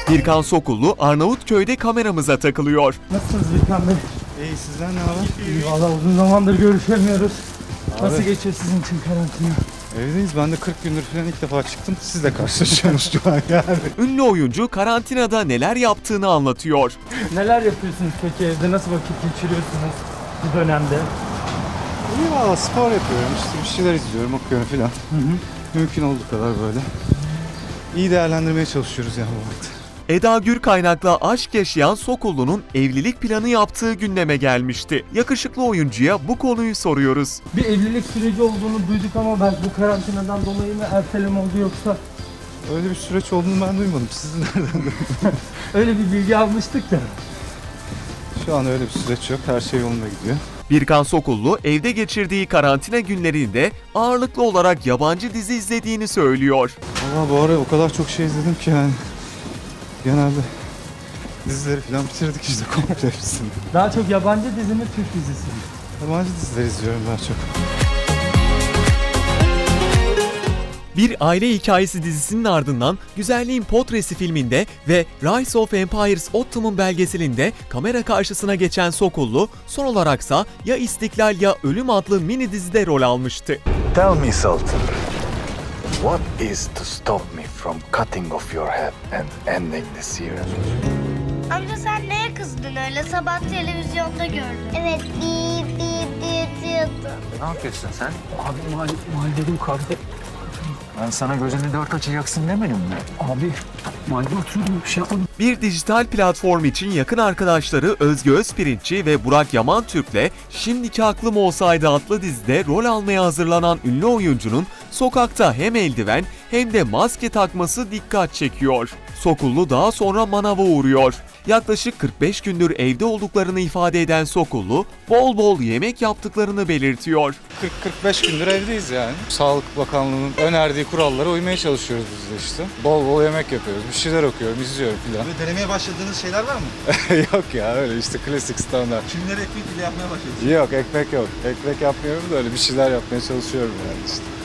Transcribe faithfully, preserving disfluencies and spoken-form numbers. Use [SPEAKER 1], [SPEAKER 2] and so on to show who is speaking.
[SPEAKER 1] Birkan Sokullu Arnavutköy'de kameramıza takılıyor.
[SPEAKER 2] Nasılsınız Birkan Bey?
[SPEAKER 3] İyi, sizden ne haber?
[SPEAKER 2] İyi valla, uzun zamandır görüşemiyoruz.
[SPEAKER 3] Abi.
[SPEAKER 2] Nasıl geçiyor sizin için karantina?
[SPEAKER 3] Evdeyiz. Ben de kırk gündür falan ilk defa çıktım. Sizle karşılaşıyoruz şu an yani.
[SPEAKER 1] Ünlü oyuncu karantinada neler yaptığını anlatıyor.
[SPEAKER 2] Neler yapıyorsunuz peki evde? Nasıl vakit geçiriyorsunuz bu dönemde?
[SPEAKER 3] İyi valla, spor yapıyorum. İşte bir şeyler izliyorum, okuyorum falan.
[SPEAKER 2] Hı hı.
[SPEAKER 3] Mümkün olduğu kadar böyle. İyi değerlendirmeye çalışıyoruz yani bu vakti.
[SPEAKER 1] Eda Gür kaynakla aşk yaşayan Sokullu'nun evlilik planı yaptığı gündeme gelmişti. Yakışıklı oyuncuya bu konuyu soruyoruz.
[SPEAKER 2] Bir evlilik süreci olduğunu duyduk ama ben bu karantinadan dolayı mı erteleme oldu yoksa
[SPEAKER 3] Öyle bir süreç olduğunu ben duymadım. Siz nereden duydunuz?
[SPEAKER 2] öyle bir bilgi almıştık da.
[SPEAKER 3] Şu an öyle bir süreç yok. Her şey yolunda gidiyor.
[SPEAKER 1] Birkan Sokullu evde geçirdiği karantina günlerinde ağırlıklı olarak yabancı dizi izlediğini söylüyor.
[SPEAKER 3] Valla bu ara o kadar çok şey izledim ki yani. Genelde dizileri falan bitirdik işte komple hepsini.
[SPEAKER 2] Daha çok yabancı dizi mi, Türk dizisi mi?
[SPEAKER 3] Yabancı diziler izliyorum daha çok.
[SPEAKER 1] Bir aile hikayesi dizisinin ardından Güzelliğin Potresi filminde ve Rise of Empires Ottoman belgeselinde kamera karşısına geçen Sokullu, son olaraksa Ya İstiklal Ya Ölüm adlı mini dizide rol almıştı.
[SPEAKER 4] Tell me, Sultan, what is to stop me from cutting off your head and ending the series?
[SPEAKER 5] Amca sen neye kızdın öyle? Sabah televizyonda gördüm. Evet, bir bir diye diyordu.
[SPEAKER 4] Ne yapıyorsun sen?
[SPEAKER 2] Abi mal, mahallenin kardeş.
[SPEAKER 4] Ben sana gözünü dört açacaksın demedim mi?
[SPEAKER 2] Abi mahallede oturuyordum, bir şey yapmadım.
[SPEAKER 1] Bir dijital platform için yakın arkadaşları Özge Özpirinççi ve Burak Yaman Türk'le Şimdiki Aklım Olsaydı adlı dizide rol almaya hazırlanan ünlü oyuncunun sokakta hem eldiven hem de maske takması dikkat çekiyor. Sokullu daha sonra manava uğruyor. Yaklaşık kırk beş gündür evde olduklarını ifade eden Sokullu, bol bol yemek yaptıklarını belirtiyor.
[SPEAKER 3] kırk kırk beş gündür evdeyiz yani. Sağlık Bakanlığı'nın önerdiği kurallara uymaya çalışıyoruz biz de işte. Bol bol yemek yapıyoruz, bir şeyler okuyorum, izliyorum filan.
[SPEAKER 6] Böyle denemeye başladığınız şeyler var mı?
[SPEAKER 3] Yok ya, öyle işte klasik standart.
[SPEAKER 6] Kimleri ekmek bile yapmaya başladınız?
[SPEAKER 3] Yok, ekmek yok. Ekmek yapmıyorum da öyle bir şeyler yapmaya çalışıyorum yani işte.